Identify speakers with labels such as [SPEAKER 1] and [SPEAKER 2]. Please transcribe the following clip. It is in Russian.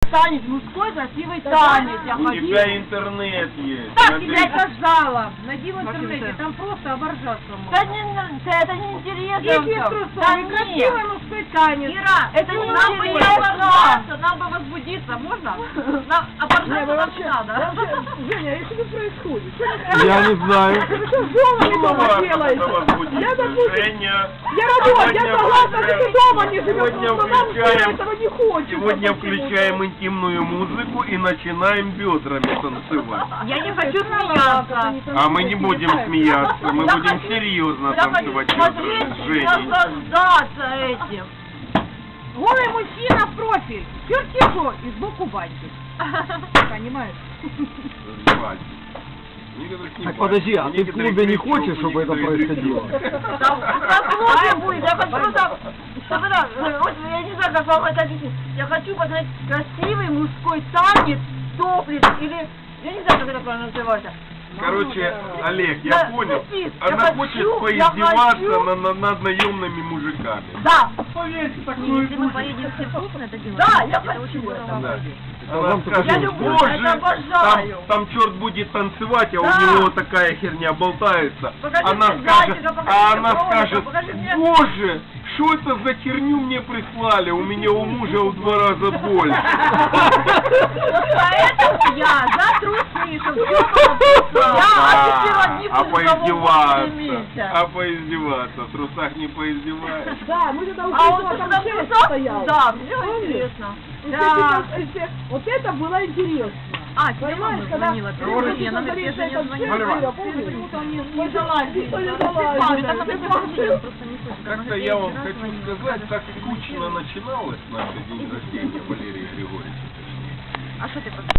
[SPEAKER 1] танец, мужской красивый танец. Я
[SPEAKER 2] У
[SPEAKER 1] хочу.
[SPEAKER 2] тебя интернет есть.
[SPEAKER 3] Так
[SPEAKER 2] Смотри.
[SPEAKER 3] тебя сказала. Найди в интернете, там просто оборжаться
[SPEAKER 1] Да
[SPEAKER 3] можно.
[SPEAKER 1] это не интересно.
[SPEAKER 3] Если
[SPEAKER 1] Да
[SPEAKER 3] трусовый,
[SPEAKER 1] нет.
[SPEAKER 3] красивый мужской танец.
[SPEAKER 1] Ира, это не
[SPEAKER 3] нам бы не
[SPEAKER 1] интересно.
[SPEAKER 3] оборжаться, нам бы возбудиться, можно? Нам оборжаться нам не надо.
[SPEAKER 4] Женя, а что тут происходит?
[SPEAKER 5] Я не знаю.
[SPEAKER 4] Вы что дома не дома
[SPEAKER 2] Это
[SPEAKER 4] делаете?
[SPEAKER 2] возбудится.
[SPEAKER 4] Я, допустим,
[SPEAKER 2] Женя,
[SPEAKER 4] я родила, я
[SPEAKER 2] сегодня
[SPEAKER 4] согласна, что ты дома не живешь,
[SPEAKER 2] сегодня
[SPEAKER 4] но нам
[SPEAKER 2] включаем-
[SPEAKER 4] этого не хочется.
[SPEAKER 2] Сегодня включаем интимную музыку и начинаем бедрами танцевать.
[SPEAKER 1] Я не хочу смеяться.
[SPEAKER 2] А мы не будем смеяться, мы будем серьезно
[SPEAKER 1] Я хочу
[SPEAKER 2] танцевать
[SPEAKER 1] смотреть
[SPEAKER 2] с
[SPEAKER 1] и
[SPEAKER 2] Женей.
[SPEAKER 1] наслаждаться этим.
[SPEAKER 3] Голый мужчина в профиль. Чертику и сбоку бантик. Понимаешь?
[SPEAKER 5] Так подожди, а ты в клубе не хочешь, чтобы это происходило?
[SPEAKER 1] Там просмотр будет, я хочу просто... Вот я не знаю, как вам это объяснить. Я хочу посмотреть красивый мужской танец, топлес, или... Я не знаю, как это правильно называется.
[SPEAKER 2] Короче, Олег, я
[SPEAKER 1] Да,
[SPEAKER 2] понял.
[SPEAKER 1] Сис,
[SPEAKER 2] Она
[SPEAKER 1] я
[SPEAKER 2] хочет
[SPEAKER 1] хочу,
[SPEAKER 2] поиздеваться
[SPEAKER 1] я хочу.
[SPEAKER 2] над наемными мужиками.
[SPEAKER 1] Да,
[SPEAKER 6] Если мы поедем все вкусно, это делаем.
[SPEAKER 1] да, я
[SPEAKER 6] Это очень
[SPEAKER 1] хочу.
[SPEAKER 6] здорово.
[SPEAKER 2] Да.
[SPEAKER 5] А
[SPEAKER 2] Она
[SPEAKER 5] вам
[SPEAKER 2] скажет,
[SPEAKER 5] я
[SPEAKER 1] люблю,
[SPEAKER 2] боже,
[SPEAKER 1] это обожаю.
[SPEAKER 2] там черт будет танцевать, а
[SPEAKER 1] Да.
[SPEAKER 2] у него такая херня болтается.
[SPEAKER 1] Покажи
[SPEAKER 2] Она
[SPEAKER 1] мне
[SPEAKER 2] скажет,
[SPEAKER 1] зайчика, покажи
[SPEAKER 2] а
[SPEAKER 1] мне
[SPEAKER 2] она
[SPEAKER 1] кролика,
[SPEAKER 2] скажет,
[SPEAKER 1] покажи мне-
[SPEAKER 2] боже, что это за херню мне прислали, у меня у мужа в 2 раза больше.
[SPEAKER 1] Поэтому я за трусы, чтобы все было. Я офицер
[SPEAKER 2] А поиздеваться,
[SPEAKER 1] месяца.
[SPEAKER 2] а поиздеваться, в трусах не поиздеваешь.
[SPEAKER 4] Да, мы тогда
[SPEAKER 1] А он
[SPEAKER 4] там
[SPEAKER 1] тогда
[SPEAKER 4] шесть
[SPEAKER 1] в
[SPEAKER 4] стоял.
[SPEAKER 1] Да, все интересно.
[SPEAKER 4] Да. Вот это было интересно.
[SPEAKER 6] А, тебе мама
[SPEAKER 4] Понимаешь, когда
[SPEAKER 6] звонила. Привет, она говорит, я же не звонила.
[SPEAKER 4] Не залазит.
[SPEAKER 2] Как-то я вам хочу сказать, так скучно начиналось наше день рождения Валерия Григорьевича.
[SPEAKER 6] А что ты